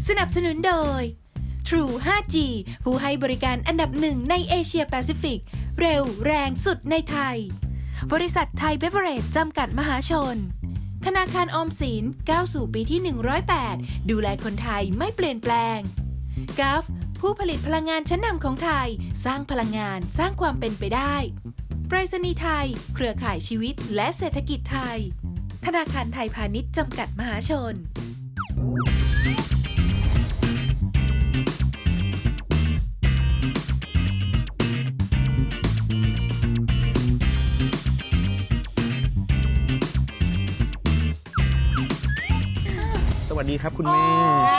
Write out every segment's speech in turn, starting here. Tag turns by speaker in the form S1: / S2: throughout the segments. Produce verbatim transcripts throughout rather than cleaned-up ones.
S1: สนับสนุนโดย True ไฟว์จี ผู้ให้บริการอันดับหนึ่งในเอเชียแปซิฟิก เร็วแรงสุดในไทย บริษัทไทยเบเวอเรจจำกัดมหาชน ธนาคารออมสินก้าวสู่ปีที่ หนึ่งร้อยแปด ดูแลคนไทยไม่เปลี่ยนแปลง กัฟ ผู้ผลิตพลังงานชั้นนำของไทย สร้างพลังงานสร้างความเป็นไปได้ไปรษณีย์ไทย เครือข่ายชีวิตและเศรษฐกิจไทย ธนาคารไทยพาณิชย์จำกัดมหาชน
S2: สวัสดีครับคุณแม่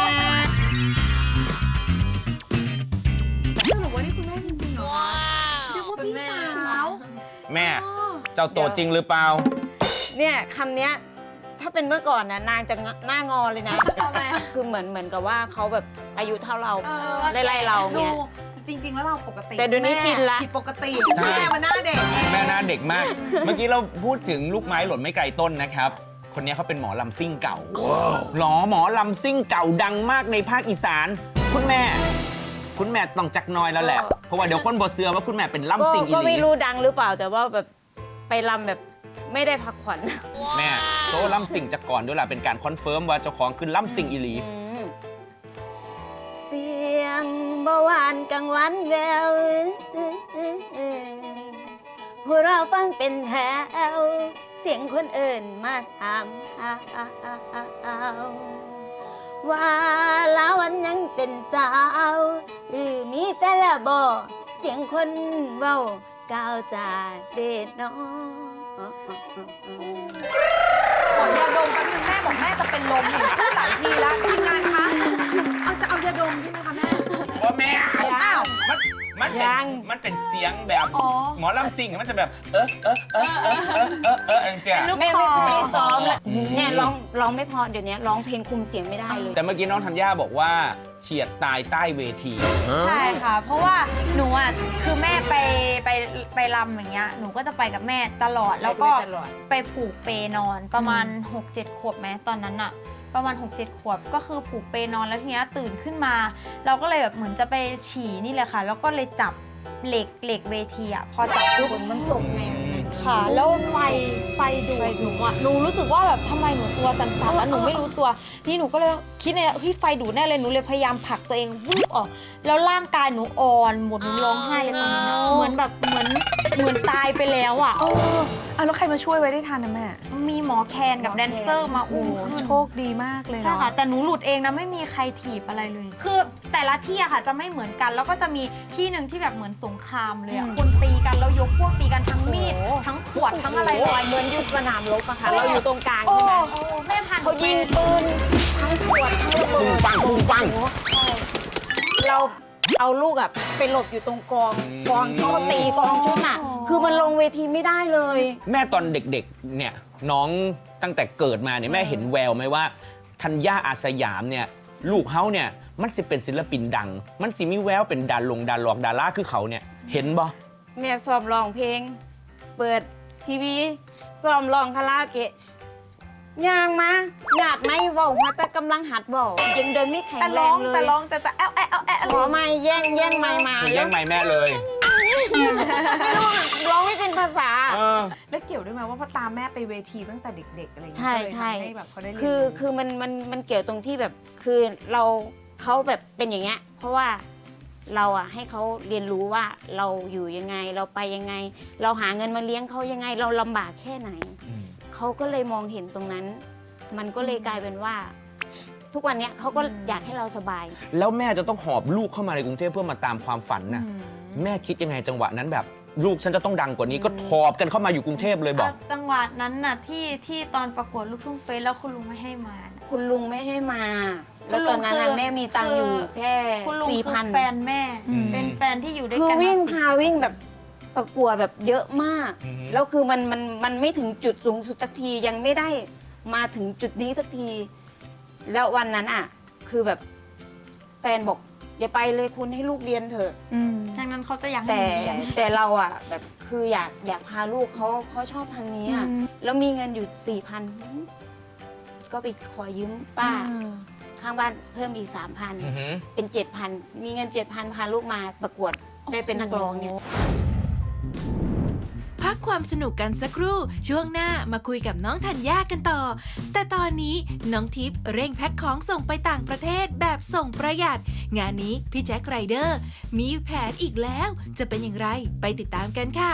S3: สรุปว่านี่คุณแม่จริงๆเหรอเรียกว่าพี่สาว
S2: แม่เจ้าโตจริงหรือเปล่า
S4: เนี่ยคำเนี้ยถ้าเป็นเมื่อก่อนนะนางจะหน้างอเลยนะคือเหมือนเหมือนกับว่าเขาแบบอายุเท่าเราไล่ๆเราเนี่ย
S3: จริงๆแล้วเราปกติ
S4: แต่เดี๋ยวนี้ชินละ
S3: ผิดปกติแม่มันหน้าเด็ก
S2: แม่หน้าเด็กมากเมื่อกี้เราพูดถึงลูกไม้หล่นไม่ไกลต้นนะครับคนนี้เขาเป็นหมอลำซิ่งเก่าหรอหมอลำซิ่งเก่าดังมากในภาคอีสานคุณแม่คุณแม่ต้องจักน้อยแล้วแหละเพราะว่าเดี๋ยวคนบทเสือว่าคุณแม่เป็นลำซิ่งอีหลี
S4: ก็ไม่รู้ดังหรือเปล่าแต่ว่าแบบไปลำแบบไม่ได้พักผ่อน
S2: แม่โซ่ลำซิ่งจากก่อนด้วยล่ะเป็นการคอนเฟิร์มว่าเจ้าของคือลำซิ่งอีหลี
S4: เสียงเบาหวานกลางวันแววพวกเราฟังเป็นแถวเสียงคนอื่นมาถามว่าแล้ววันยังเป็นสาวหรือมีแฟนแล้วบ่เสียงคนเว้าก้าวจากเด็ดน้อง
S3: ขอยาดมแป๊บนึงแม่บอกแม่จะเป็นลมเห็นพูดหลายทีแล้วทีมงานคะเอาจะเอายาดมใช่ไหมคะแม่
S2: ว่าแม่
S3: อ้าว
S2: มันมันเป็นมันเป็นเสียงแบบหมอลำซิ่งมันจะแบบเออเออเออเออเออเออเออเสียง
S4: แม่ไม่ไม่ซ้อมแล้วเนี่ยร้องร้องไม่พอเดี๋ยวนี้ร้องเพลงคุมเสียงไม่ได้เลย
S2: แต่เมื่อกี้น้องธัญญาบอกว่าเฉียดตายใต้เวที
S5: ใช่ค่ะเพราะว่าหนูอ่ะคือแม่ไปไปไปรำอย่างเงี้ยหนูก็จะไปกับแม่ตลอดแล้วก็ไปผูกเปนอนประมาณ หกเจ็ด ขวบแม้ตอนนั้นอะประมาณ หกเจ็ด ขวบก็คือผูกเปนอนแล้วทีนี้ตื่นขึ้นมาเราก็เลยแบบเหมือนจะไปฉี่นี่แหละค่ะแล้วก็เลยจับเหล็กเหล็กเวทีอ่ะพอจับปุ๊บ
S4: มันตกไง
S5: ค่ะแล้วไฟไฟดูดหนูอ่ะหนูรู้สึกว่าแบบทำไมหนูตัวสั่นๆแล้วหนูไม่รู้ตัวนี่หนูก็เลยคิดในพี่ไฟดูดแน่เลยหนูเลยพยายามผลักตัวเองวุบออกแล้วร่างกายหนูอ่อนหมดหนูร้องไห้เลยตอนนั้นเหมือนแบบเหมือนเหมือนตายไปแล้วอ่ะ
S3: เออแล้วใครมาช่วยไว้ได้ทันนะแม่
S5: มีหมอแคนกับแดนเซอร์มาอุ้ม
S3: โชคดีมากเลย
S5: ใช่ค่ะแต่หนูหลุดเองนะไม่มีใครถีบอะไรเลยคือแต่ละที่อะค่ะจะไม่เหมือนกันแล้วก็จะมีที่หนึ่งที่แบบเหมือนสงครามเลยอะคนตีกันแล้วยกพวกตีกันทั้งมีดทั้งขวดทั้งอะไรลอย
S4: เหมือนยุคสนามรบอะค่ะเราอยู่ตรงกลางใช่ไหม
S5: แม่พัน
S4: เขายิงปืนทั้งขวดทั้งระเบิด
S2: ปังปุ้งปัง
S4: เราเอาลูกอะไปหลบอยู่ตรงกองกองที่เขาตีกองชุดน่ะคือมันลงเวทีไม่ได้เลย
S2: แม่ตอนเด็กๆเนี่ยน้องตั้งแต่เกิดมาเนี่ยแม่เห็นแววไหมว่าธัญญาอาสยามเนี่ยลูกเขาเนี่ยมันสิเป็นศิลปินดังมันสิมีแววเป็นดาลงดาลอกดาราคือเขาเนี่ยเห็นบ่
S4: แม่ซ้อมร้องเพลงเปิดทีวีซ้อมร้องคาราโอเกะย่างมาหยาดไม่เบามาแต่กำลังหัดเบายังเดินไม่แข็งแรงเลย
S3: แต่ร้องแต่แต่แอะแอะแอะ
S4: ขอไม่แย่งแย่งไม่มา
S2: แย่งไม่แม่เลย
S4: ไม่รู้ร้องไม่เป็นภาษา
S3: แล้วเกี่ยวด้วยไหมว่าพ่อตามแม่ไปเวทีตั้งแต่เด็กๆอะไรอย่างเงี้ย
S4: ใช่ใช่คือคือมันมันมันเกี่ยวตรงที่แบบคือเราเขาแบบเป็นอย่างเงี้ยเพราะว่าเราอะให้เขาเรียนรู้ว่าเราอยู่ยังไงเราไปยังไงเราหาเงินมาเลี้ยงเขายังไงเราลำบากแค่ไหนเขาก็เลยมองเห็นตรงนั้นมันก็เลยกลายเป็นว่าทุกวันนี้เขาก็อยากให้เราสบาย
S2: แล้วแม่จะต้องหอบลูกเข้ามาในกรุงเทพเพื่อมาตามความฝันนะแม่คิดยังไงจังหวะนั้นแบบลูกฉันจะต้องดังกว่านี้ก็หอบกันเข้ามาอยู่กรุงเทพเลยบอก
S5: จังหวะนั้นน่ะที่ที่ตอนประกวดลูกทุ่งเฟสแล้วคุณลุงไม่ให้มา
S4: คุณลุงไม่ให้มาแล้วตอนนั้นแม่มีตังค์อยู่แค่สี่พัน
S5: แฟนแม่เป็นแฟนที่อยู่ด้วยกัน
S4: คือวิ่งพาวิ่งแบบประกวดแบบเยอะมากแล้วคือมันมันมันไม่ถึงจุดสูงสุดสักทียังไม่ได้มาถึงจุดนี้สักทีแล้ววันนั้นอ่ะคือแบบแฟนบอกอย่าไปเลยคุณให้ลูกเรียนเถอะ
S5: ดังนั้นเขาจะอยาก
S4: ให้เรียนแต่เราอ่ะแบบคืออยากอยากพาลูกเขาเขาชอบทางนี้อ่ะแล้วมีเงินอยู่สี่พันก็ไปขอยืมป้าข้างบ้านเพิ่มอีกสามพัน
S2: อือหือ
S4: เป็นเจ็ดพันมีเงินเจ็ดพันพาลูกมาประกวดได้เป็นนักร้องเนี่ย
S1: พักความสนุกกันสักครู่ช่วงหน้ามาคุยกับน้องธัญญากันต่อ แต่ตอนนี้น้องทิพย์เร่งแพ็คของส่งไปต่างประเทศแบบส่งประหยัด งานนี้พี่แจ็คไรเดอร์มีแผนอีกแล้วจะเป็นอย่างไรไปติดตามกันค่ะ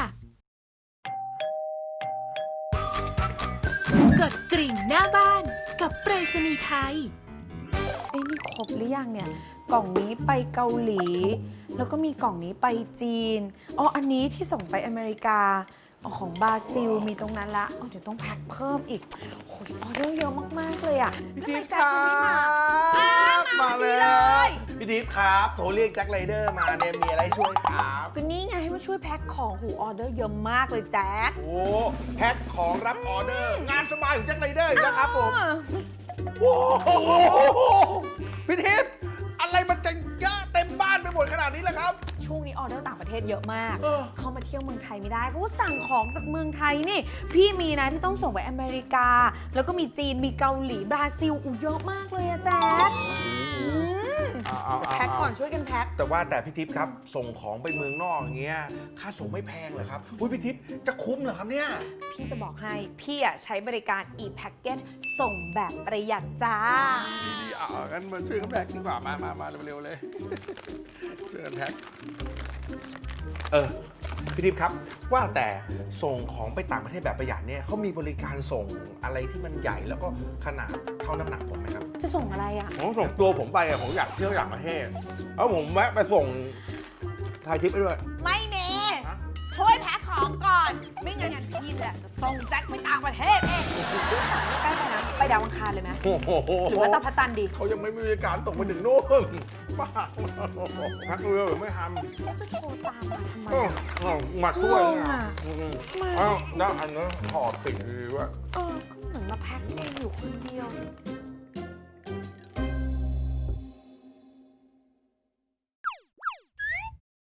S1: กดกริ่งหน้าบ้านกับไปรษณีย์ไทย
S3: เอ้ยนี่ครบหรือยังเนี่ย กล่องนี้ไปเกาหลี แล้วก็มีกล่องนี้ไปจีน อ๋อ อันนี้ที่ส่งไปอเมริกาอ๋อของบราซิลมีตรงนั้นละอ๋อเดี๋ยวต้องแพ็คเพิ่มอีกโอ้ยออเดอร์เยอะมาก ๆ เลยอ่ะ
S6: พี่
S3: ทำไม
S6: ทิพย์
S3: แจ็
S6: ค
S3: ค
S6: รั
S3: ยังไม่มา
S6: บมาเลยพี่ทิพย์ครับโทรเรียกแจ็คไรเดอร์มาเนี่ยมีอะไรช่วยครับ
S3: ก็นี่ไงให้มาช่วยแพ็คของหูออเดอร์เยอะมากเลยแจ็ค
S6: โอ้แพ็คของรับออเดอร์ งานสบายของแจ็คไรเดอร์อีกแล้วครับผมโอ้โหพี่ทิพย์อะไรมันจะเยอะเต็มบ้านไปหมดขนาดนี้ล่ะครับ
S3: ช่วงนี้ออเดอร์ต่างประเทศเยอะมาก
S6: เออ
S3: เขามาเที่ยวเมืองไทยไม่ได้เขาก็สั่งของจากเมืองไทยนี่ พี่มีนะที่ต้องส่งไปอเมริกา แล้วก็มีจีนมีเกาหลีบราซิลอูเยอะมากเลยอะแจ๊คอืม
S6: เอาเอาเอา
S3: แพ็คก่อนช่วยกันแพ็ค
S6: แต่ว่าแต่พี่ทิพย์ครับส่งของไปเมืองนอกอย่างเงี้ยค่าส่งไม่แพงเหรอครับอุ้ยพี่ทิพย์จะคุ้มเหรอครับเนี่ย
S3: พี่จะบอกให้พี่อะใช้บริการ e-packet ส่งแบบประหยัดจ้า
S6: ดีๆอ่ะงั้นมาช่วยกันแพ็คดีกว่ามามามาเร็วๆเลย ช่วยกันแพ็คเออพี่ทิพย์ครับว่าแต่ส่งของไปต่างประเทศแบบประหยัดเนี่ยเขามีบริการส่งอะไรที่มันใหญ่แล้วก็ขนาดเท่าน้ำหนักผมไหมครับ
S3: จะส่งอะไรอะ
S6: ผมส่งตัวผมไปอะผมอยากเที่ยวต่างประเทศแล้วผมแวะไปส่งไทยทิปไปด้วย
S3: ไม่เมช่วยแพ็คของก่อน ไม่งั้นพี่แหละจะส่งแจ็คไปต่างประเทศเองใกล้ไปนะ ไปดาวอังคารเลยไหม
S6: โอ้โห
S3: หรือว่าจะพระจันทร์ดี
S6: เขายังไม่มีบริการส่งไปถึงนู่นบ้าพักเรือหรือไม่ทำ
S3: แล้วจะโทรตามมาทำไม
S6: โอ้
S3: อะ
S6: โหมาช่วย
S3: งง
S6: นะ
S3: อะ
S6: อืม
S3: มา
S6: อ้าวได้อันนั้นถอดปิดดีว่า
S3: เออก็เหมือนมาแพ็คเองอยู่คนเดียว